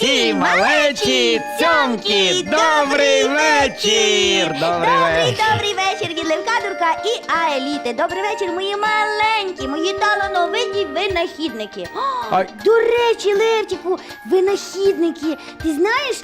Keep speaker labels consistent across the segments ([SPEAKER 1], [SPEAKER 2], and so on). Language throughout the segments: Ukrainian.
[SPEAKER 1] всі малечі, цьомки, добрий вечір!
[SPEAKER 2] Добрий вечір від Левка, Дурка і Аеліти. Добрий вечір, мої маленькі, мої талановиті винахідники.
[SPEAKER 1] Ай.
[SPEAKER 2] До речі, Левчику, винахідники, ти знаєш,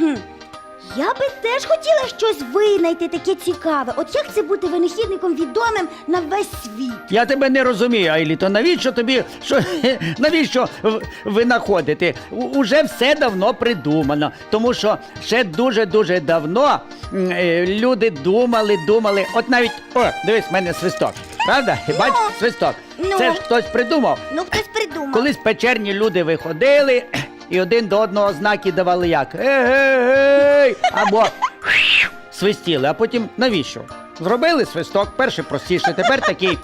[SPEAKER 2] я би теж хотіла щось винайти таке цікаве. От як це бути винахідником відомим на весь світ?
[SPEAKER 1] Я тебе не розумію, Айліто, навіщо тобі, навіщо винаходити? Уже все давно придумано, тому що ще дуже-дуже давно люди думали, от навіть, дивись, в мене свисток, правда? Бачиш, свисток.
[SPEAKER 2] Ну.
[SPEAKER 1] Це ж хтось придумав.
[SPEAKER 2] Ну, хтось придумав.
[SPEAKER 1] Колись печерні люди виходили і один до одного знаки давали як «Ей-гей-гей!» або свистіли, а потім навіщо? Зробили свисток, перший простіше, тепер такий.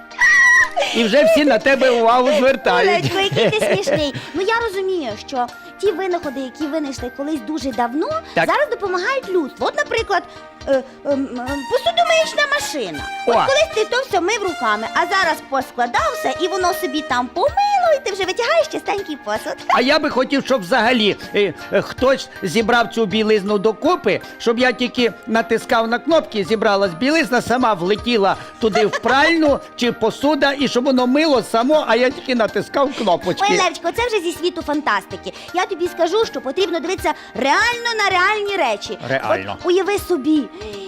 [SPEAKER 1] І вже всі на тебе увагу звертають.
[SPEAKER 2] Олечко, який ти смішний. Ну я розумію, що ті винаходи, які винайшли колись дуже давно,
[SPEAKER 1] Так.
[SPEAKER 2] зараз допомагають людству. От, наприклад, посудомиючна машина. От
[SPEAKER 1] О.
[SPEAKER 2] колись ти то все мив руками, а зараз поскладався і воно собі там помило, і ти вже витягаєш чистенький посуд.
[SPEAKER 1] А я би хотів, щоб взагалі хтось зібрав цю білизну докупи, щоб я тільки натискав на кнопки, зібралась білизна, сама влетіла туди в пральну чи посуда, і щоб воно мило само, а я тільки натискав кнопочки.
[SPEAKER 2] Ой, Левчко, це вже зі світу фантастики. Я тобі скажу, що потрібно дивитися реально на реальні речі.
[SPEAKER 1] Реально.
[SPEAKER 2] От уяви собі,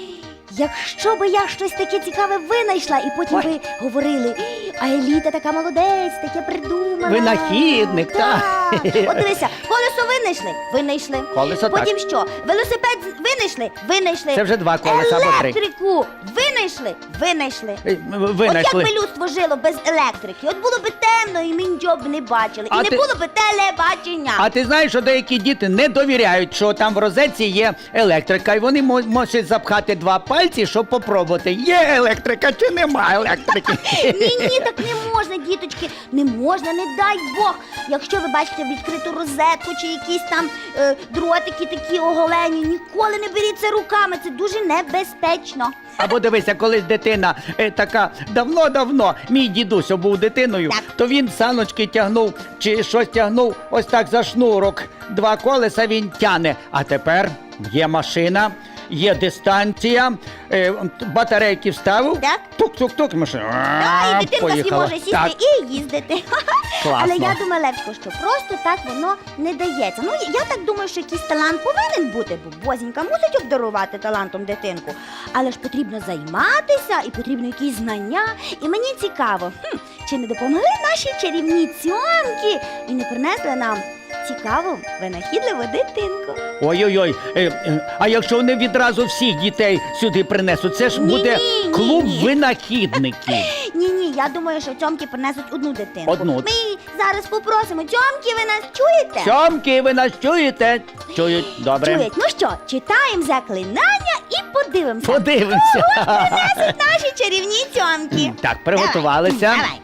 [SPEAKER 2] якщо би я щось таке цікаве винайшла, і потім
[SPEAKER 1] Ой.
[SPEAKER 2] би говорили, а Еліта така молодець, таке придумала.
[SPEAKER 1] Винахідник, так.
[SPEAKER 2] От дивися, колесо винайшли.
[SPEAKER 1] Колесо, так.
[SPEAKER 2] Потім що? Велосипед винайшли.
[SPEAKER 1] Це вже два колеса або три.
[SPEAKER 2] Електрику винайшли.
[SPEAKER 1] Винайшли.
[SPEAKER 2] От як би людство жило без електрики? От було б темно, і ми нічого б не бачили.
[SPEAKER 1] А
[SPEAKER 2] І не
[SPEAKER 1] ти-
[SPEAKER 2] було б телебачення.
[SPEAKER 1] А ти знаєш, що деякі діти не довіряють, що там в розетці є електрика, і вони можуть запхати два пальці, щоб попробувати, є електрика чи нема електрики.
[SPEAKER 2] Ні, так не можна, діточки, не можна, не дай Бог. Якщо ви бачите відкриту розетку чи якісь там дротики такі оголені, ніколи не беріть це руками, це дуже небезпечно.
[SPEAKER 1] Або дивися, колись дитина така давно-давно, мій дідусь був дитиною,
[SPEAKER 2] Так.
[SPEAKER 1] то він саночки тягнув чи щось тягнув ось так за шнурок. Два колеса він тяне. А тепер є машина, є дистанція, батарейки вставив,
[SPEAKER 2] Так.
[SPEAKER 1] тук-тук-тук, машина.
[SPEAKER 2] І дитинка собі
[SPEAKER 1] поїхала.
[SPEAKER 2] може сісти
[SPEAKER 1] Так.
[SPEAKER 2] і їздити.
[SPEAKER 1] Класно.
[SPEAKER 2] Але я думаю, Левчко, що просто так воно не дається. Ну, я так думаю, що якийсь талант повинен бути, бо Бозінька мусить обдарувати талантом дитинку. Але ж потрібно займатися і потрібно якісь знання. І мені цікаво, чи не допомогли наші чарівні цьомки і не принесли нам цікаву, винахідливу дитинку.
[SPEAKER 1] Ой-ой-ой, а якщо вони відразу всіх дітей сюди принесуть, це ж буде
[SPEAKER 2] Ні-ні,
[SPEAKER 1] клуб
[SPEAKER 2] ні-ні.
[SPEAKER 1] винахідників.
[SPEAKER 2] Ні, я думаю, що цьомки принесуть одну дитинку.
[SPEAKER 1] Одну.
[SPEAKER 2] Ми зараз попросимо, цьомки, ви нас чуєте?
[SPEAKER 1] Сьомки, ви нас чуєте? Чують, добре.
[SPEAKER 2] Чують. Ну що, читаємо заклинання і подивимося.
[SPEAKER 1] Подивимося.
[SPEAKER 2] Принесуть наші чарівні цьомки.
[SPEAKER 1] Так, приготувалися.
[SPEAKER 2] Давай.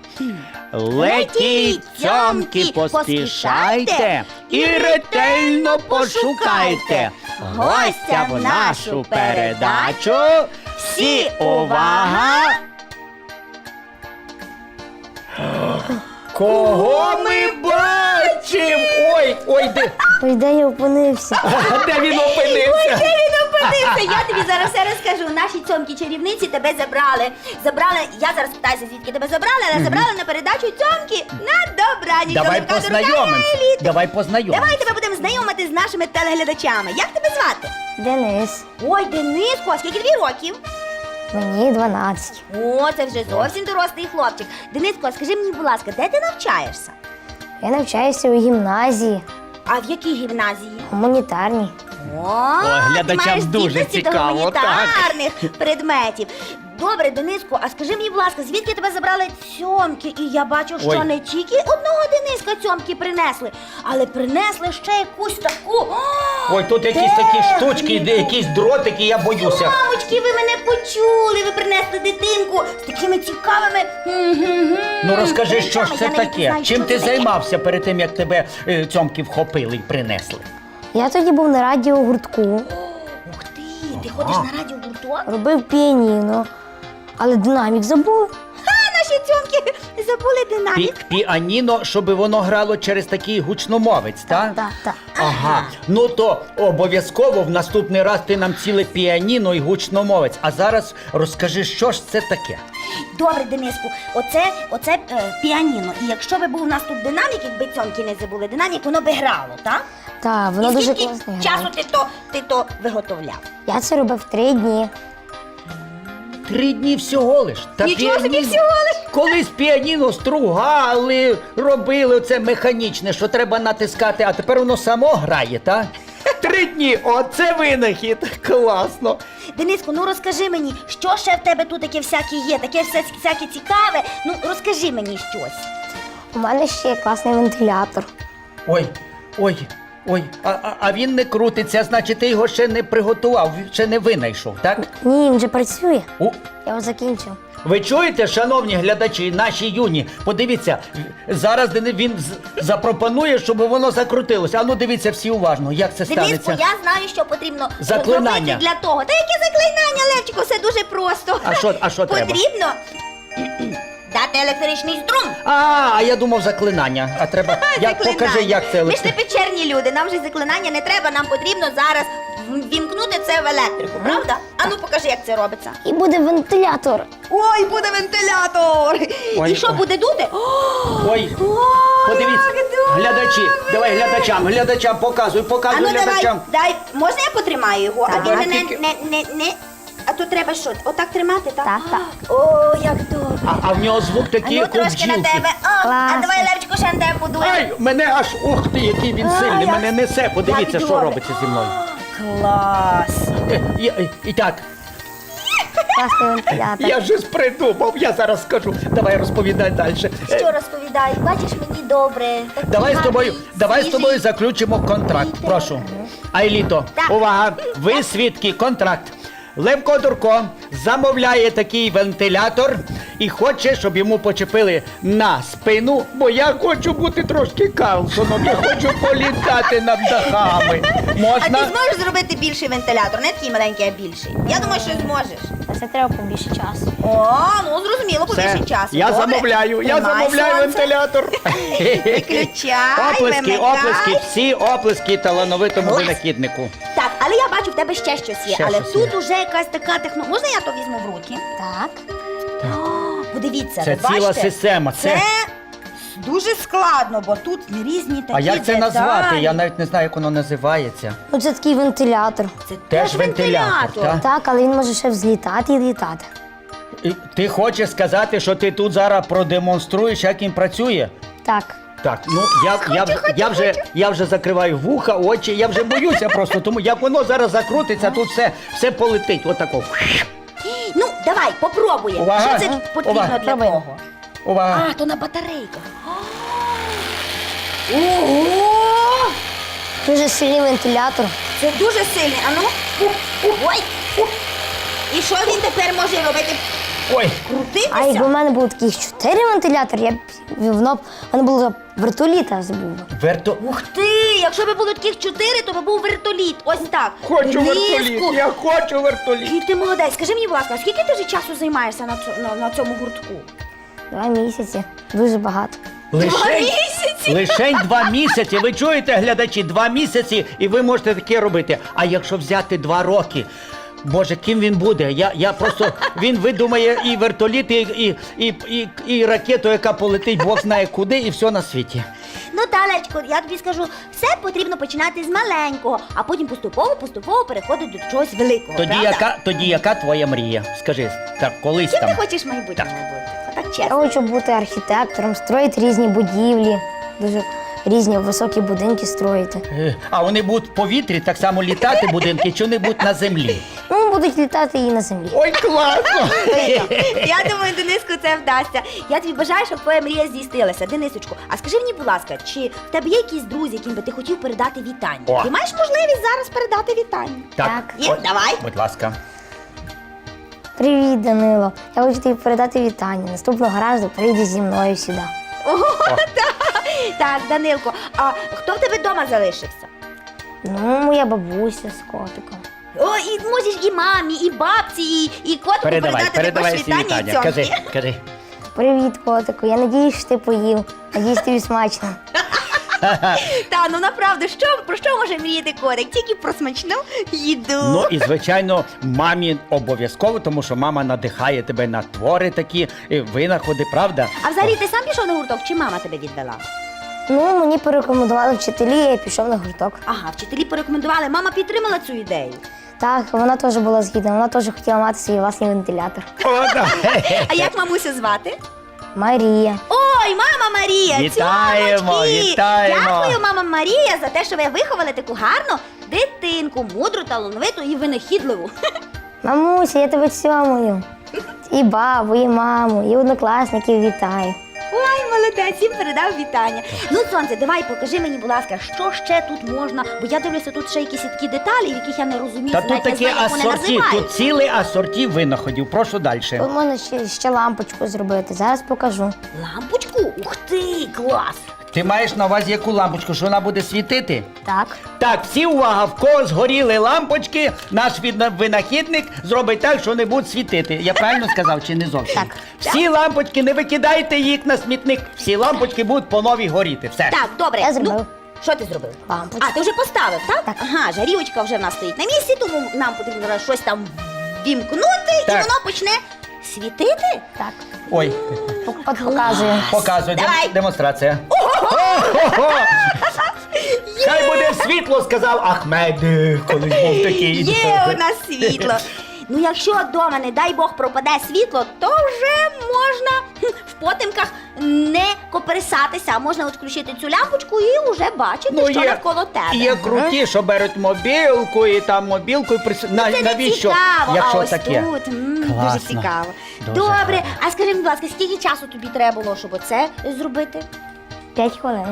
[SPEAKER 1] Летіть, цьомки, поспішайте і ретельно пошукайте гостя в нашу передачу. Всі увага! Кого ми бачимо? Ой,
[SPEAKER 3] Де я опинився?
[SPEAKER 1] де він опинився?
[SPEAKER 2] Де він опинився? Я тобі зараз все розкажу. Наші цьомки-чарівниці тебе забрали. Я зараз питаюся, звідки тебе забрали, але забрали на передачу цьомки на добраніч.
[SPEAKER 1] Давай
[SPEAKER 2] Левка, Дурка і
[SPEAKER 1] познайомимося.
[SPEAKER 2] Аеліта.
[SPEAKER 1] Давай познайомимося.
[SPEAKER 2] Давай тебе будемо знайомити з нашими телеглядачами. Як тебе звати?
[SPEAKER 3] Денис.
[SPEAKER 2] Ой, Дениско, а скільки тобі років?
[SPEAKER 3] Мені 12.
[SPEAKER 2] О, це вже зовсім дорослий хлопчик. Дениско, а скажи мені, будь ласка, де ти навчаєшся?
[SPEAKER 3] Я навчаюся у гімназії,
[SPEAKER 2] А в якій гімназії?
[SPEAKER 3] гуманітарній.
[SPEAKER 1] глядачам
[SPEAKER 2] ти маєш
[SPEAKER 1] дуже
[SPEAKER 2] здібності до
[SPEAKER 1] цікаво,
[SPEAKER 2] гуманітарних предметів. Добре, Дениско, а скажи мені, будь ласка, звідки тебе забрали цьомки? І я бачу, що
[SPEAKER 1] Ой.
[SPEAKER 2] не тільки одного Дениска цьомки принесли, але принесли ще якусь таку.
[SPEAKER 1] Ой, тут якісь такі штучки, якісь дротики, я боюся.
[SPEAKER 2] Мамочки, ви мене почули, ви принесли дитинку з такими цікавими.
[SPEAKER 1] Ну розкажи, що ж
[SPEAKER 2] речами.
[SPEAKER 1] це
[SPEAKER 2] Я навіть не
[SPEAKER 1] таке?
[SPEAKER 2] знаю,
[SPEAKER 1] Чим
[SPEAKER 2] що
[SPEAKER 1] ти
[SPEAKER 2] це таке.
[SPEAKER 1] займався перед тим, як тебе цьомки вхопили і принесли?
[SPEAKER 3] Я тоді був на радіогуртку,
[SPEAKER 2] Ух ти, ти ходиш на радіогурток?
[SPEAKER 3] робив піаніно, але динамік забув.
[SPEAKER 2] Наш наші цьомки забули динамік.
[SPEAKER 1] Піаніно, щоб воно грало через такий гучномовець, так?
[SPEAKER 3] Так.
[SPEAKER 1] Ага, ну то обов'язково в наступний раз ти нам ціле піаніно і гучномовець. А зараз розкажи, що ж це таке?
[SPEAKER 2] Добре, Дениску, оце піаніно. І якщо би був у нас тут динамік, якби цьомки не забули динамік, воно би грало, так?
[SPEAKER 3] Так, воно
[SPEAKER 2] І
[SPEAKER 3] дуже
[SPEAKER 2] скільки
[SPEAKER 3] класно
[SPEAKER 2] часу
[SPEAKER 3] грає.
[SPEAKER 2] ти то виготовляв?
[SPEAKER 3] Я це робив 3 дні.
[SPEAKER 1] 3 дні всього лиш. Та
[SPEAKER 2] Нічого собі,
[SPEAKER 1] піаніно-
[SPEAKER 2] всього лиш.
[SPEAKER 1] Колись піаніно стругали, робили це механічне, що треба натискати, а тепер воно само грає, так? 3 дні, оце винахід, класно.
[SPEAKER 2] Дениску, ну розкажи мені, що ще в тебе тут таке всяке є, таке всяке цікаве. Ну розкажи мені щось.
[SPEAKER 3] У мене ще є класний вентилятор.
[SPEAKER 1] Ой, а він не крутиться, значить ти його ще не приготував, ще не винайшов, так?
[SPEAKER 3] Ні, він вже працює.
[SPEAKER 1] У,
[SPEAKER 3] Я його закінчив.
[SPEAKER 1] Ви чуєте, шановні глядачі, наші юні? Подивіться, зараз він запропонує, щоб воно закрутилося. А ну дивіться всі уважно, як це
[SPEAKER 2] Дениску,
[SPEAKER 1] станеться.
[SPEAKER 2] я знаю, що потрібно
[SPEAKER 1] Заклинання.
[SPEAKER 2] зробити для того. Та яке заклинання, Левчику, все дуже просто.
[SPEAKER 1] А що треба?
[SPEAKER 2] Потрібно дати електричний струм.
[SPEAKER 1] А я думав заклинання. А треба. Покажи, як це
[SPEAKER 2] Ми ж не
[SPEAKER 1] електро...
[SPEAKER 2] печерні люди, нам же заклинання не треба, нам потрібно зараз вімкнути це в електрику, правда? А ну покажи, як це робиться.
[SPEAKER 3] І буде вентилятор.
[SPEAKER 2] Ой, буде вентилятор!
[SPEAKER 1] Ой,
[SPEAKER 2] І що
[SPEAKER 1] ой.
[SPEAKER 2] буде дути?
[SPEAKER 1] Ой,
[SPEAKER 2] Ой,
[SPEAKER 1] подивіться,
[SPEAKER 2] як добре!
[SPEAKER 1] глядачі, давай глядачам, показуй
[SPEAKER 2] А ну давай,
[SPEAKER 1] глядачам.
[SPEAKER 2] дай, можна я потримаю його?
[SPEAKER 3] Так.
[SPEAKER 2] А він
[SPEAKER 1] Тільки-
[SPEAKER 2] не. А то треба що? Отак тримати, так?
[SPEAKER 3] Так.
[SPEAKER 2] О, як добре.
[SPEAKER 1] А в нього звук
[SPEAKER 2] А
[SPEAKER 1] такий,
[SPEAKER 2] ну
[SPEAKER 1] як у
[SPEAKER 2] трошки на
[SPEAKER 1] бджілки.
[SPEAKER 2] тебе. О, а
[SPEAKER 3] Класно.
[SPEAKER 2] давай, Левчику, ще на тебе подує.
[SPEAKER 1] Ай, мене аж, ух ти, який він
[SPEAKER 2] А,
[SPEAKER 1] сильний,
[SPEAKER 2] як-
[SPEAKER 1] мене несе. Подивіться,
[SPEAKER 2] як
[SPEAKER 1] що
[SPEAKER 2] добре.
[SPEAKER 1] робиться зі мною.
[SPEAKER 2] Клас.
[SPEAKER 1] І так,
[SPEAKER 3] Класний вентилятор.
[SPEAKER 1] я вже придумав, я зараз скажу. Давай розповідай далі.
[SPEAKER 2] Що розповідай? Бачиш, мені добре. такий
[SPEAKER 1] Давай з
[SPEAKER 2] гарний,
[SPEAKER 1] тобою
[SPEAKER 2] свіжий.
[SPEAKER 1] заключимо контракт.
[SPEAKER 2] Вітер.
[SPEAKER 1] Прошу. Айліто,
[SPEAKER 2] Так.
[SPEAKER 1] увага! Ви свідки, контракт. Левко Дурко замовляє такий вентилятор і хоче, щоб йому почепили на спину, бо я хочу бути трошки Карлсоном, я хочу політати над дахами.
[SPEAKER 2] А ти
[SPEAKER 1] Можна?
[SPEAKER 2] зможеш зробити більший вентилятор, не такий маленький, а більший. Я думаю, що зможеш.
[SPEAKER 3] Це треба побільше часу.
[SPEAKER 2] О, ну зрозуміло, побільше
[SPEAKER 1] Все,
[SPEAKER 2] часу.
[SPEAKER 1] я
[SPEAKER 2] Добре.
[SPEAKER 1] замовляю
[SPEAKER 2] Тримай сонце.
[SPEAKER 1] вентилятор.
[SPEAKER 2] Виключай,
[SPEAKER 1] Оплески,
[SPEAKER 2] вимикай.
[SPEAKER 1] оплески, всі оплески талановитому
[SPEAKER 2] Клас.
[SPEAKER 1] винахіднику.
[SPEAKER 2] Так, але я бачу, в тебе ще щось є.
[SPEAKER 1] Ще
[SPEAKER 2] Але
[SPEAKER 1] щось
[SPEAKER 2] тут
[SPEAKER 1] є.
[SPEAKER 2] уже якась така технологія. Можна я то візьму в руки?
[SPEAKER 3] Так.
[SPEAKER 2] О, подивіться,
[SPEAKER 1] Це
[SPEAKER 2] ви
[SPEAKER 1] ціла
[SPEAKER 2] бачите?
[SPEAKER 1] система, це-
[SPEAKER 2] Це дуже складно, бо тут різні такі
[SPEAKER 1] А як це
[SPEAKER 2] деталі.
[SPEAKER 1] назвати? Я навіть не знаю, як воно називається.
[SPEAKER 3] Ну це такий вентилятор.
[SPEAKER 2] Це
[SPEAKER 1] Теж вентилятор, так?
[SPEAKER 3] Так, але він може ще взлітати і літати.
[SPEAKER 1] І ти хочеш сказати, що ти тут зараз продемонструєш, як він працює?
[SPEAKER 3] Так.
[SPEAKER 1] Так, ну я вже закриваю вуха, очі, я вже боюся просто, тому як воно зараз закрутиться, тут все полетить. Отако.
[SPEAKER 2] Ну, давай, попробуємо.
[SPEAKER 1] Увага.
[SPEAKER 2] Що це потрібно
[SPEAKER 1] Увага.
[SPEAKER 2] для
[SPEAKER 3] Пробуємо.
[SPEAKER 2] того?
[SPEAKER 1] Увага.
[SPEAKER 2] А, то на батарейках. Ого!
[SPEAKER 3] Дуже сильний вентилятор.
[SPEAKER 2] Це дуже сильний. А ну. Ой. І що він тепер може робити?
[SPEAKER 1] Ой,
[SPEAKER 2] Крутитися?
[SPEAKER 3] А якби в мене було таких 4 вентилятори, я б воно б в мене було вертоліта забув.
[SPEAKER 2] Ух ти! Якщо б було таких 4, то би був вертоліт. Ось так.
[SPEAKER 1] хочу
[SPEAKER 2] Дениску,
[SPEAKER 1] вертоліт, я хочу вертоліт.
[SPEAKER 2] який ти молодець. Скажи мені, будь ласка, скільки ти вже часу займаєшся на цьому гуртку?
[SPEAKER 3] 2 місяці. Дуже багато.
[SPEAKER 2] місяці?
[SPEAKER 1] Лишень 2 місяці. Ви чуєте, глядачі, 2 місяці, і ви можете таке робити. А якщо взяти 2 роки, Боже, ким він буде? Я просто, він видумає і вертоліт, і ракету, яка полетить, Бог знає куди, і все на світі.
[SPEAKER 2] Ну, Талечко, я тобі скажу, все потрібно починати з маленького, а потім поступово переходити до чогось великого.
[SPEAKER 1] Тоді яка твоя мрія? Скажи, так, колись
[SPEAKER 2] Ким
[SPEAKER 1] там.
[SPEAKER 2] ти хочеш в майбутньому бути? Отак
[SPEAKER 3] Я
[SPEAKER 2] чесно.
[SPEAKER 3] хочу бути архітектором, строїти різні будівлі, дуже різні високі будинки строїти.
[SPEAKER 1] А вони будуть в повітрі, так само літати будинки, чи вони будуть на землі?
[SPEAKER 3] Ну, будуть літати і на землі.
[SPEAKER 1] Ой, класно!
[SPEAKER 2] Я думаю, Дениску, це вдасться. Я тобі бажаю, щоб твоя мрія здійснилася. Денисочку, а скажи мені, будь ласка, чи в тебе є якісь друзі, яким би ти хотів передати вітання?
[SPEAKER 1] О.
[SPEAKER 2] Ти маєш можливість зараз передати вітання?
[SPEAKER 3] Так.
[SPEAKER 2] Є, давай.
[SPEAKER 1] Будь ласка.
[SPEAKER 3] Привіт, Данило. Я хочу тобі передати вітання. Наступного разу прийди зі мною сюди.
[SPEAKER 2] Так, Данилко, а хто в тебе вдома залишився?
[SPEAKER 3] Ну, моя бабуся з котиком.
[SPEAKER 2] О, і можеш і мамі, і бабці, і котику передати також
[SPEAKER 1] всі
[SPEAKER 2] вітання і цьомки.
[SPEAKER 1] Кажи.
[SPEAKER 3] Привіт, котику. Я надіюсь, що ти поїв. Надіюсь, тобі смачно.
[SPEAKER 2] Та, ну направду, про що може мріяти котик? Тільки про смачну їду.
[SPEAKER 1] Ну і звичайно, мамі обов'язково, тому що мама надихає тебе на твори такі, винаходи, правда?
[SPEAKER 2] А взагалі ти сам пішов на гурток, чи мама тебе відвела?
[SPEAKER 3] Ну, мені порекомендували вчителі, я пішов на гурток.
[SPEAKER 2] Ага, вчителі порекомендували, мама підтримала цю ідею.
[SPEAKER 3] Так, вона теж була згідна, вона теж хотіла мати свій власний вентилятор.
[SPEAKER 1] О, да.
[SPEAKER 2] А як мамусю звати?
[SPEAKER 3] Марія.
[SPEAKER 2] Ой, мама Марія!
[SPEAKER 1] Вітаємо,
[SPEAKER 2] цьомочки!
[SPEAKER 1] вітаємо!
[SPEAKER 2] Дякую, мама Марія, за те, що ви виховали таку гарну дитинку, мудру, талановиту і винахідливу.
[SPEAKER 3] Мамуся, я тебе цьомую. І бабу, і маму, і однокласників вітаю.
[SPEAKER 2] Ой, молодець, їм передав вітання. Ну, сонце, давай покажи мені, будь ласка, що ще тут можна, бо я дивлюся, тут ще якісь такі деталі, в яких я не розумію,
[SPEAKER 1] Та тут
[SPEAKER 2] навіть не
[SPEAKER 1] такі
[SPEAKER 2] знаю, як вони
[SPEAKER 1] асорті, тут
[SPEAKER 2] називаються.
[SPEAKER 1] цілий асорті винаходів. Прошу далі.
[SPEAKER 3] Тут можна ще лампочку зробити, зараз покажу.
[SPEAKER 2] Лампочку? Ух ти, клас!
[SPEAKER 1] Ти маєш на увазі яку лампочку, що вона буде світити?
[SPEAKER 3] Так.
[SPEAKER 1] Так, всі увага, в кого згоріли лампочки, наш винахідник зробить так, що вони будуть світити. Я правильно сказав чи не зовсім?
[SPEAKER 3] Так.
[SPEAKER 1] Всі лампочки, не викидайте їх на смітник, всі лампочки будуть по новій горіти. Все.
[SPEAKER 2] Так, добре.
[SPEAKER 3] Я зробив.
[SPEAKER 2] Ну, що ти зробив?
[SPEAKER 3] Лампочку.
[SPEAKER 2] А, ти вже поставив, так?
[SPEAKER 3] Так.
[SPEAKER 2] Ага, жарівочка вже в нас стоїть на місці, тому нам потрібно зараз щось там вімкнути, і
[SPEAKER 1] Так.
[SPEAKER 2] воно почне світити.
[SPEAKER 3] Так.
[SPEAKER 1] Ой,
[SPEAKER 3] От показую.
[SPEAKER 1] показуй,
[SPEAKER 2] Давай.
[SPEAKER 1] демонстрація. Ого-го! Хай буде світло, сказав Ахмед, колись був такий.
[SPEAKER 2] Є у нас світло. Ну, якщо вдома, не дай Бог, пропаде світло, то вже можна в потемках не коперсатися, а можна включити цю лампочку і вже бачити, що навколо тебе.
[SPEAKER 1] Є круті, що беруть мобілку і там мобілкою
[SPEAKER 2] Це не
[SPEAKER 1] навіщо?
[SPEAKER 2] цікаво,
[SPEAKER 1] Якщо
[SPEAKER 2] а ось
[SPEAKER 1] таке.
[SPEAKER 2] тут дуже
[SPEAKER 1] Класно.
[SPEAKER 2] цікаво.
[SPEAKER 1] Дуже
[SPEAKER 2] Добре,
[SPEAKER 1] гарно.
[SPEAKER 2] а скажи, будь ласка, скільки часу тобі треба було, щоб оце зробити?
[SPEAKER 3] 5 хвилин.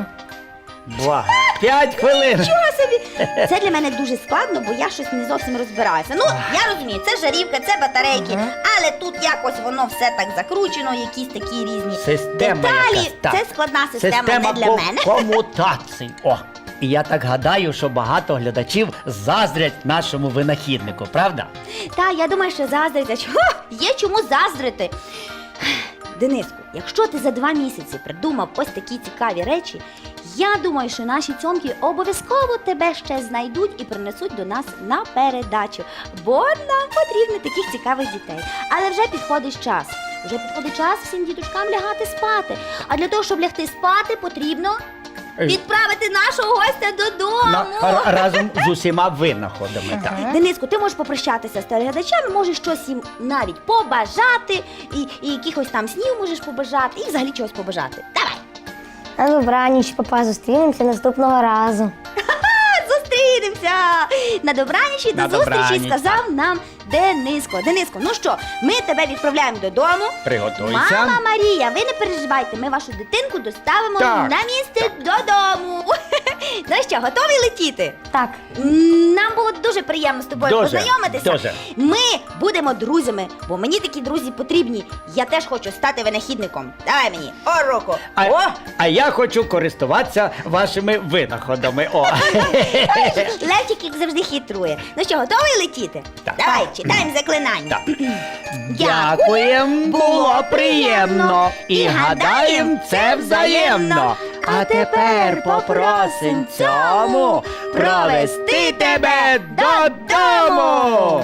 [SPEAKER 1] 5 хвилин.
[SPEAKER 2] Чого собі? Це для мене дуже складно, бо я щось не зовсім розбираюся. Ну, я розумію, це жарівка, це батарейки, але тут якось воно все так закручено, якісь такі різні
[SPEAKER 1] Система
[SPEAKER 2] деталі.
[SPEAKER 1] якась, так.
[SPEAKER 2] Це складна система не для мене.
[SPEAKER 1] комутацій. О, і я так гадаю, що багато глядачів заздрять нашому винахіднику, правда?
[SPEAKER 2] Та, я думаю, що заздрять. Чого? Є чому заздрити. Дениску, якщо ти за 2 місяці придумав ось такі цікаві речі, я думаю, що наші цьомки обов'язково тебе ще знайдуть і принесуть до нас на передачу, бо нам потрібно таких цікавих дітей. Але вже підходить час. Вже підходить час всім діточкам лягати спати. А для того, щоб лягти спати, потрібно відправити нашого гостя додому.
[SPEAKER 1] Разом з усіма винаходами. Так.
[SPEAKER 2] Дениску, ти можеш попрощатися з телеглядачами, можеш щось їм навіть побажати, і якихось там снів можеш побажати, і взагалі чогось побажати. Давай!
[SPEAKER 3] На добраніч, папа, зустрінемося наступного разу.
[SPEAKER 2] Зустрінемося! На добраніч і до
[SPEAKER 1] На
[SPEAKER 2] зустрічі,
[SPEAKER 1] добраніч,
[SPEAKER 2] сказав нам Дениско. Дениско, ну що, ми тебе відправляємо додому.
[SPEAKER 1] Приготуйся.
[SPEAKER 2] Мама Марія, ви не переживайте, ми вашу дитинку доставимо
[SPEAKER 1] Так.
[SPEAKER 2] на місце додому. Ну що, готові летіти?
[SPEAKER 3] Так.
[SPEAKER 2] Нам було дуже приємно з тобою
[SPEAKER 1] Дуже,
[SPEAKER 2] познайомитися.
[SPEAKER 1] дуже.
[SPEAKER 2] Ми будемо друзями, бо мені такі друзі потрібні. Я теж хочу стати винахідником. Давай мені, руку.
[SPEAKER 1] А я хочу користуватися вашими винаходами. О.
[SPEAKER 2] Левчик, як завжди, хитрує. Ну що, готовий летіти?
[SPEAKER 1] Так.
[SPEAKER 2] Давай, читаємо заклинання.
[SPEAKER 1] Так. Дякуєм, було приємно. І гадаєм, це взаємно. А тепер попросим цьому провести тебе додому.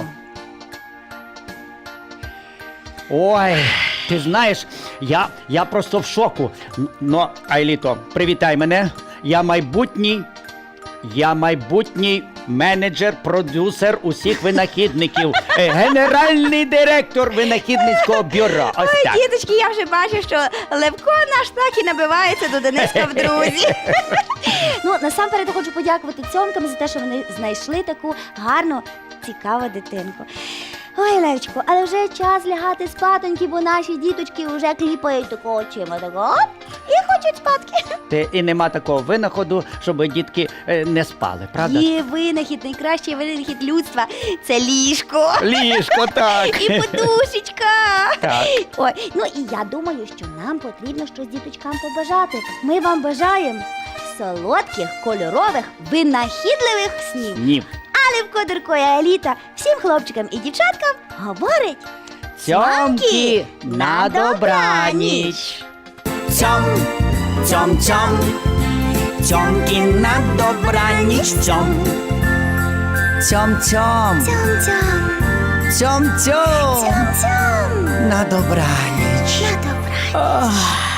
[SPEAKER 1] Ой, ти знаєш, я просто в шоку. Но, Айліто, привітай мене. Я майбутній менеджер, продюсер усіх винахідників, генеральний директор винахідницького бюро. Ось
[SPEAKER 2] Ой,
[SPEAKER 1] так.
[SPEAKER 2] діточки, я вже бачу, що Левко наш так і набивається до Дениска в друзі. Ну, насамперед я хочу подякувати цьомкам за те, що вони знайшли таку гарну, цікаву дитинку. Ой, Левчику, але вже час лягати спатоньки, бо наші діточки вже кліпають такого очима, такого, і хочуть спадки.
[SPEAKER 1] І нема такого винаходу, щоб дітки не спали, правда?
[SPEAKER 2] Є винахід, найкращий винахід людства – це ліжко.
[SPEAKER 1] Ліжко, так.
[SPEAKER 2] І подушечка.
[SPEAKER 1] Так.
[SPEAKER 2] Ой, ну і я думаю, що нам потрібно щось діточкам побажати. Ми вам бажаємо солодких, кольорових, винахідливих снів.
[SPEAKER 1] Ні.
[SPEAKER 2] А Левко, Дурко і Еліта всім хлопчикам і дівчаткам говорить
[SPEAKER 1] Цьомки на добраніч.
[SPEAKER 4] Цьом, цьом, цьом, цьомки на добраніч, цьом. Цьом, цьом,
[SPEAKER 2] Цьом-цьом,
[SPEAKER 4] цьом, цьом,
[SPEAKER 2] цьом-цьом.
[SPEAKER 4] на добраніч.
[SPEAKER 2] На добраніч.